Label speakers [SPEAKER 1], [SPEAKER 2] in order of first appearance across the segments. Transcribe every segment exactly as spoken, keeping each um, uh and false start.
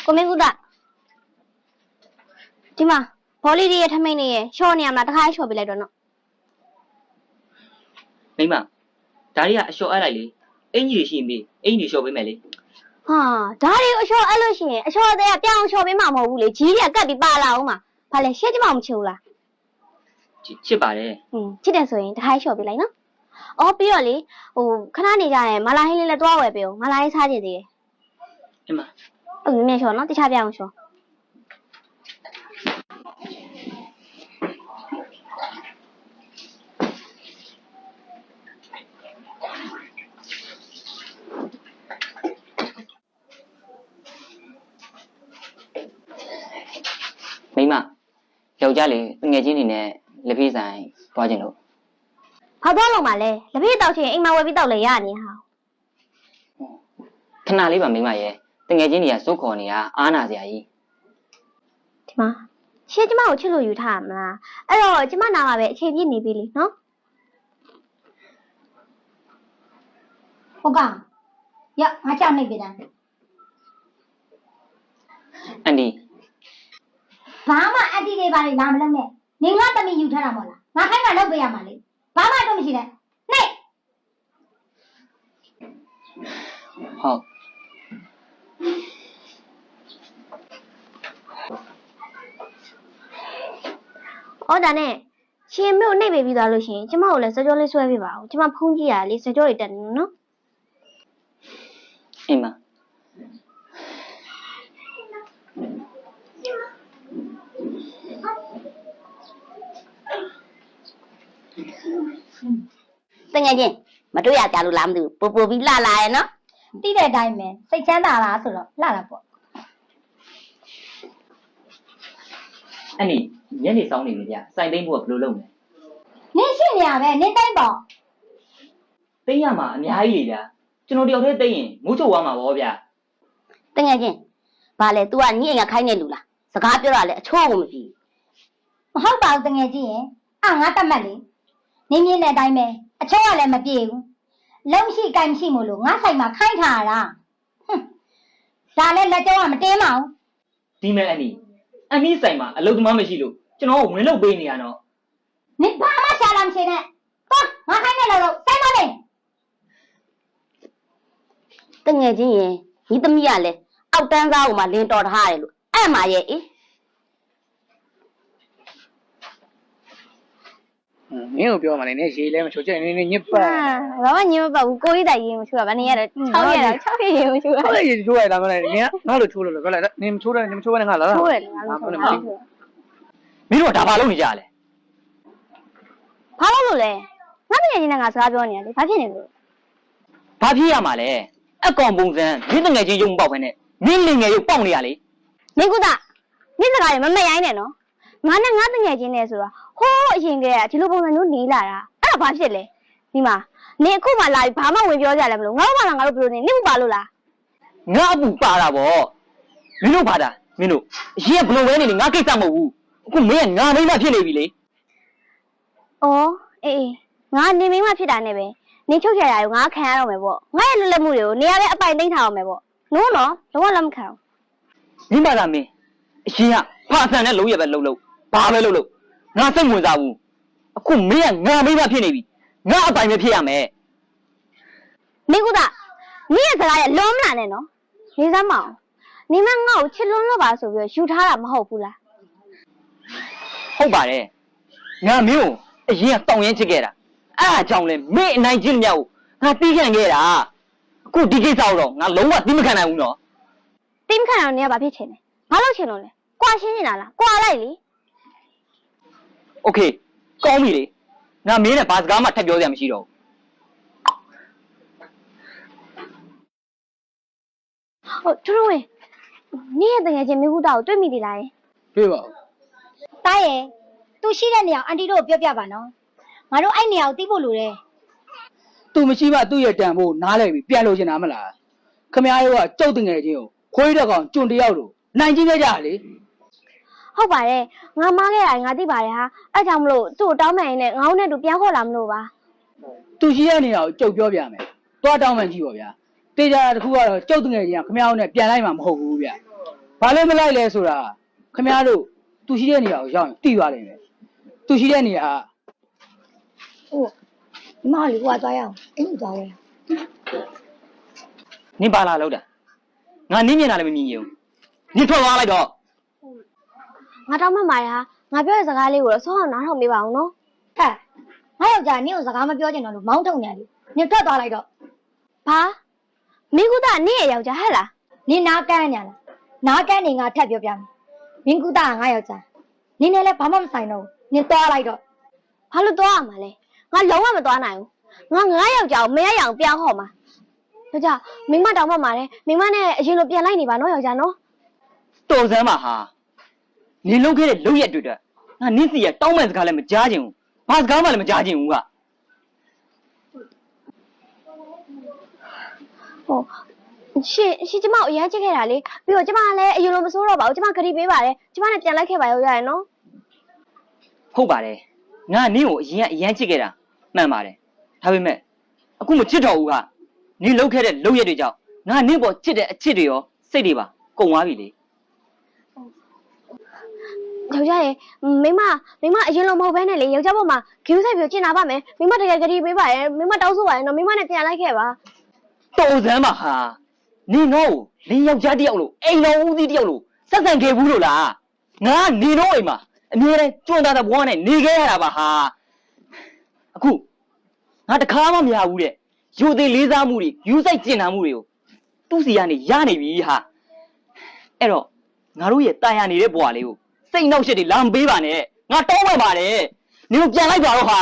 [SPEAKER 1] ကိုမင်းကူတာဒီမှာဘောလီဒီရဲ့ထမိန်နေရဲ့ရှော့နေရမလားတခါရှော့ပေးလိုက်တော့နော်
[SPEAKER 2] မိမဒါရီကအလျှော့အပ်လိုက်လေအင်ကြီးရှိရင်ပြီးအင်ကြီးလျှော့ပေးမယ်လေ
[SPEAKER 1] ဟာဒါရီအလျှော့အပ်လို့ရှိရင်အလျှော့တဲ့ကပြောင်းလျှော့ပေးမှာမဟုတ်ဘူးလေကြီးတွေကကတ်ပြီးပါလာအောင်မှာဘာလဲရှက်ကြမမချူလား
[SPEAKER 2] ချစ်ပါတယ်
[SPEAKER 1] อืมချစ်တယ်ဆိုရင်တခါလျှော့ပေးလိုက်နော်အော်ပြီးတော့လေဟိုခဏနေကြရင်မလာဟင်းလေးလည်းတွားဝယ်ပေးအောင်မလာဟင်းစားကြည့်သေးတယ်
[SPEAKER 2] အမ
[SPEAKER 1] အဲ့မြင်လျှော့နော်တခြားပြအောင်လျှော့
[SPEAKER 2] မိမယောက်ျားလေးငယ်ချင်းနေနဲ့လက်ဖေးဆိုင်သွားခြင်းလို့
[SPEAKER 1] ဘာသွားလုံးပါလဲလက်ဖေးတောက်ချင်အိမ်မှာဝယ်ပြီးတောက်လေရနေဟာ
[SPEAKER 2] ခဏလေးပါမိမရဲ့တငယ်ချင်းတွေကစုခေါ်နေတာအားနာစရာကြီး
[SPEAKER 1] ဒီမှာရှင်းကျမကိုချစ်လို့ယူထားမလားအဲ့တော့ကျမနာမှာပဲအချိန်ပြည့်နေပြီလေနော်
[SPEAKER 3] ဟုတ်ကရငါကြောက်နေပြီလား
[SPEAKER 2] အန်ဒီ
[SPEAKER 3] ဘာမှအန်တီတွေပါလေလာမလုပ်နဲ့နေငါတမီယူထားတာမဟုတ်လားငါခိုင်းတာလုပ်ပေးရမှာလေဘာမှတော့မရှိနဲ့နှိပ်
[SPEAKER 2] ဟုတ်
[SPEAKER 1] အော်ဒါနဲ့ရှင်မျိုးနှိပ်ပေးပြီးသွားလို့ရှိရင်ကျမကိုလည်းစကြောလေးဆွဲပေးပါဦးကျမဖုန်းကြည့်ရလေစကြောတွေတက်နေနော်
[SPEAKER 2] အိမ်မ
[SPEAKER 1] တငယ်ချင်းမတွေ့ရကြလို့လားမသိဘူးပူပူပြီးလှလာရဲ့နော်
[SPEAKER 3] တိတဲ့အတိုင်းပဲစိတ်ချမ်းသာလားဆိုတော့လှတာပေါ့
[SPEAKER 2] အဲ့ဒီညနေဆောင်နေပြီဗျစိုင်သိမ့်ဖို့ကဘယ်လိုလုပ်မလဲ
[SPEAKER 3] နင်းရှိနေရပဲနင်းတိုင်းပေါ့
[SPEAKER 2] သိမ့်ရမှာအများကြီးလေဗျကျွန်တော်တယောက်တည်းသိမ့်ရင်မိုးချုပ်သွားမှာပေါ့ဗျ
[SPEAKER 1] တငယ်ချင်းဘာလဲ तू ကညအိမ်ကခိုင်းနေလူလားစကားပြောတာလဲအချိုးကိုမကြည့်
[SPEAKER 3] မဟုတ်ပါဘူးတငယ်ချင်းရင်အာငါတတ်မှတ်လေနင်းမြင်တဲ့အတိုင်းပဲအချိုးကလည်းမပြေဘူးလုံရှိကင်ရှိမို့လို့ငါဆိုင်မှာခိုင်းထားရတာဟွန်းဒါလည်းလက်ကြောကမတင်းပါဘူး
[SPEAKER 2] ဒီမဲ့အန်ဒီအန်ဒီဆိုင်မှာအလုပ်သမားမရှိလို့ကျွန်တော်ဝင်လုပ်ပေးနေရတော့
[SPEAKER 3] နင်ဘာမှရှာလာမရှိနဲ့သွားငါခိုင်းနေလို့လို့စိုက်မလေး
[SPEAKER 1] တငယ်ချင်းရင်ညီသမီးကလည်းအောက်တန်းသားကိုမှလင်းတော်ထားရတယ်လို့အဲ့မှာရဲ့အေး
[SPEAKER 4] မင်းကိုပြောမှလည်းနည်းရေလဲမချိုးချက်နည်းနည်းညစ်ပတ်
[SPEAKER 1] ဘာမှညစ်မပတ်ဘူးကိုကြီးတိုင်ရင်မချိုးတာဗာနေရတော့၆ရက်တော့၆ရက်ရင်မချိုးတာ
[SPEAKER 4] ဟုတ်ရေချိုးရတာမလားနင်ကငါ့လိုချိုးလို့ပြောလိုက်နင်မချိုးတယ်နင်မချိုးဘဲနဲ့ငါလာ
[SPEAKER 1] ချိုးတယ်ငါမချိုးဘူး
[SPEAKER 2] မင်းတို့ကဒါဘာလုပ်နေကြလဲ
[SPEAKER 1] ဘာလို့လို့လဲငါတကယ်ချင်းနဲ့ငါစကားပြောနေရလေဘာဖြစ်နေလို့
[SPEAKER 2] ဘာဖြစ်ရမှာလဲအကောင်ပုံစံမင်းတငယ်ချင်းရုံပေါက်ပဲနဲ့မင်းလင်ငယ်ရုပ်ပေါက်နေရလေ
[SPEAKER 1] မင်းကုသမင်းစကားရမမရိုင်းနဲ့နော်ငါနဲ့ငါတငယ်ချင်းနဲ့ဆိုတော့ဟိုးအရင်ကတည်းကဒီလိုပုံစံမျိုးနေလာတာအဲ့ဒါဘာဖြစ်လဲဒီမှာနေအခုမှလာပြီးဘာမှဝင်ပြောကြလဲမလို့ငါတို့မှလာငါတို့ဘယ်လိုနေနေမပါလို့လား
[SPEAKER 2] ငါအပူပါတာဗောမင်းတို့ပါတာမင်းတို့အရင်ကဘယ်လိုပဲနေနေငါကိစ္စမဟုတ်ဘူးအခုမင်းကငါမိမဖြစ်နေပြီလေ
[SPEAKER 1] အော်အေးငါနေမိမဖြစ်တာနဲ့ပဲနေချုပ်ချရတာကိုငါခံရတော့မယ်ပေါ့ငါရဲ့လွတ်လပ်မှုတွေကိုနေရာပဲအပိုင်သိမ်းထားအောင်မယ်ပေါ့နိုးနော်တော့လက်မခံ
[SPEAKER 2] ဘူးမိမကမင်းအရင်ကဖာဆန်နဲ့လုံးရပဲလှုပ်လှုပ်ဘာပဲလှုပ်လှုပ်ငါစိတ်ဝင်စားဘူးအခုမင်းကငါမိမဖြစ်နေပြီငါအပိုင်ပဲဖြစ်ရမယ်
[SPEAKER 1] မင်းကုသမင်းရဲ့စကားရဲ့လုံးမလာနဲ့နော်နေစမ်းမအောင်နေမငါ့ကိုချစ်လွန်းလို့ပါဆိုပြီးယူထားတာမဟုတ်ဘူးလား
[SPEAKER 2] ဟုတ်ပါတယ်ငါမင်းကိုအရင်ကတောင်းရင်ချစ်ခဲ့တာအဲ့အကြောင်းလဲမင်းအနိုင်ကျင့်မြောက်ငါတီးခံခဲ့တာအခုဒီကိစ္စတော့ငါလုံးဝတီးမခံနိုင်ဘူးနော်
[SPEAKER 1] တီးမခံအောင်နေရဘာဖြစ်ချင်လဲဘာလို့ချင်လို့လဲကွာရှင်းနေတာလားကွာလိုက်လေ
[SPEAKER 2] โอเคကောင်းပြီလေငါမင်းနဲ့ဘာစကားမှထပ်ပြောစရာမရှိတော့
[SPEAKER 1] ဟုတ်ထူးထူးဝင်နေရတဲ့ငယ်ချင်းမိခုတာကိုတွေ့မိသေးလား
[SPEAKER 4] တွေ့ပါဦး
[SPEAKER 3] တားရဲ့သူရှိတဲ့နေရာအန်တီတို့ကိုပြောပြပါနော်ငါတို့အဲ့နေရာကိုတီးဖို့လိုတယ်
[SPEAKER 4] သူမရှိမှသူ့ရဲ့တန်ဖို့နားလဲပြီးပြန်လို့ချင်တာမလားခမ ्या ရောကကြောက်တငယ်ချင်းကိုခွေးတဲ့ကောင်ကျွန်းတယောက်လို့နိုင်ချင်းခဲ့ကြလေ
[SPEAKER 1] ဟုတ်ပါတယ်ငါမားခဲ့ရတယ်ငါသိပါတယ်ဟာအဲ့ကြောင့်မလို့သူ့ကိုတောင်းမှန်ရင်လည်းငါ့နဲ့တူပြန်ခေါ်လာမလို့ပါ
[SPEAKER 4] သူရှိတဲ့နေရာကိုကြုတ်ပြောပြမယ်သွားတောင်းမှန်ကြည့်ပါဗျာတေးကြတာတခုကတော့ကြောက်တငယ်ချင်းကခမ ्या နဲ့ပြန်လိုက်မှာမဟုတ်ဘူးဗျဘာလို့မလိုက်လဲဆိုတာခင်ဗျားတို့သူရှိတဲ့နေရာကိုရောက်ရင်သိသွားလိမ့်မယ်သူရှိတဲ့နေရာက
[SPEAKER 3] ဟုတ်ဒီမလေးဟိုကသွားရအောင်အင်းကိုသွားရအောင်
[SPEAKER 2] နင်ပါလာလို့တာငါနင်းမြင်တာလည်းမမြင်ဘူးနင်ထွက်သွားလိုက်တော့
[SPEAKER 1] ငါတောင်းမှတ်ပါတယ်ဟာငါပြောတဲ့စကားလေးကိုတော့ဆုံးအောင်နားထောင်ပေးပါအောင်နော်
[SPEAKER 3] ဟဲ့ငါယောက်ျားနင့်ကိုစကားမပြောချင်တော့လို့မောင်းထုတ်နေတယ်နင်ထွက်သွားလိုက်တော့
[SPEAKER 1] ဘာမင်းကူသားနင့်ရဲ့ယောက်ျားဟဲ့လား
[SPEAKER 3] နင်နားကန်းညာလားနားကန်းနေငါထပ်ပြောပြမယ်မင်းကူတာကငါယောက်ျားနင်နဲ့လည်းဘာမှမဆိုင်တော့ဘူးနင်သွားလိုက်တော့
[SPEAKER 1] ဘာလို့သွားရမှာလဲငါလုံးဝမသွားနိုင်ဘူးငါငါယောက်ျားကိုမရရအောင်ပြောင်းဟော်မှာယောက်ျားမိမတောင်းမှတ်ပါတယ်မိမနဲ့အရင်လိုပြန်လိုက်နေပါနော်ယောက်ျားနော်
[SPEAKER 2] တော်စမ်းပါဟာနင်လုံးခဲ့တဲ့လုံးရက်တွေ့တဲ့ငါနင်းစီရတောင်းမှန်စကားလည်းမကြားချင်ဘူးဘာစကားမှလည်းမကြားချင်ဘူးက
[SPEAKER 1] ဟုတ်ရှင်ရှင်ကျမကိုအရင်ချစ်ခဲ့တာလေပြီးတော့ကျမကလည်းအရင်လိုမဆိုးတော့ပါဘူးကျမခရီးပေးပါတယ်ကျမနဲ့ပြန်လိုက်ခဲ့ပါရောရရနော်
[SPEAKER 2] ဟုတ်ပါတယ်ငါနင်းကိုအရင်ကအရန်ချစ်ခဲ့တာမှန်ပါတယ်ဒါပေမဲ့အခုမချစ်တော့ဘူးကနင်လုံးခဲ့တဲ့လုံးရက်တွေကြောင့်ငါနင်းပေါ်ချစ်တဲ့အချစ်တွေရောစိတ်တွေပါကုန်သွားပြီလေ
[SPEAKER 1] ယောက်ျားရေမိမမိမအရင်လိုမဟုတ်ဘဲနဲ့လေယောက်ျားပေါ်မှာဂယူးဆိုင်ပြီးကျင်နာပါမယ်မိမတကယ်ခရီးပေးပါရဲ့မိမတောင်းဆိုပါရဲ့နော်မိမနဲ့ပြန်လိုက်ခဲ့ပါ
[SPEAKER 2] တော်စမ်းပါဟာနင်တော့လင်းယောက်ျားတယောက်လို့အိမ်တော်ဦးစီးတယောက်လို့စက်ဆန်ခဲ့ဘူးလို့လားငါနေတော့အိမ်မှာအမြဲတမ်းကျွန်းသားတဲ့ဘဝနဲ့နေခဲ့ရတာပါဟာအခုငါတခါမှမရဘူးတဲ့ယူသေးလေးစားမှုတွေယူဆိုင်ကျင်နာမှုတွေကိုသူ့စီကနေရနေပြီဟာအဲ့တော့ငါတို့ရဲ့တာယာနေတဲ့ဘဝလေးကိုစိတ်နှောက်ရှက်တွေလာမပေးပါနဲ့ငါတောင်းပန်ပါတယ်နင်တို့ပြန်လိုက်ပါတော့ဟာ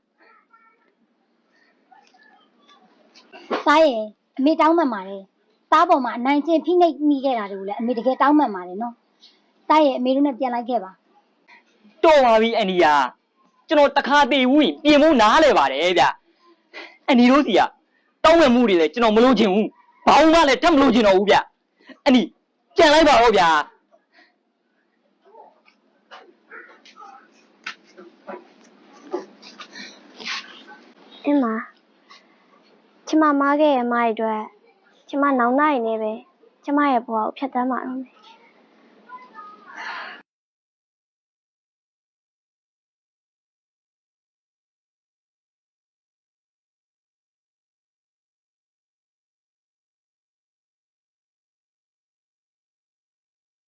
[SPEAKER 3] စားရဲ့အမေတောင်းမှန်ပါတယ်သားပေါ်မှာအနိုင်ကျင့်ဖိနှိပ်မိခဲ့တာတွေကိုလည်းအမေတကယ်တောင်းမှန်ပါတယ်နော်စားရဲ့အမေတို့နဲ့ပြန်လိုက်ခဲ့ပါ
[SPEAKER 2] တော်ပါပြီအန်ဒီယာကျွန်တော်တခါသေးဘူးရင်ပြင်ဖို့နားလဲပါတယ်ဗျအန်ဒီတို့စီကတောင်းပန်မှုတွေလည်းကျွန်တော်မလုပ်ချင်ဘူးဘာမှလည်းထပ်မလုပ်ချင်တော့ဘူးဗျအန်ဒီပြန်လိုက်ပါတော့ဗျာ
[SPEAKER 1] အင်းမကျမမားခဲ့ရဲ့မားရဲ့အတွက်ကျမနောင်နိုင်နေပဲကျမရဲ့ဘဝကိုဖျက်ဆီးမှာတော့မယ်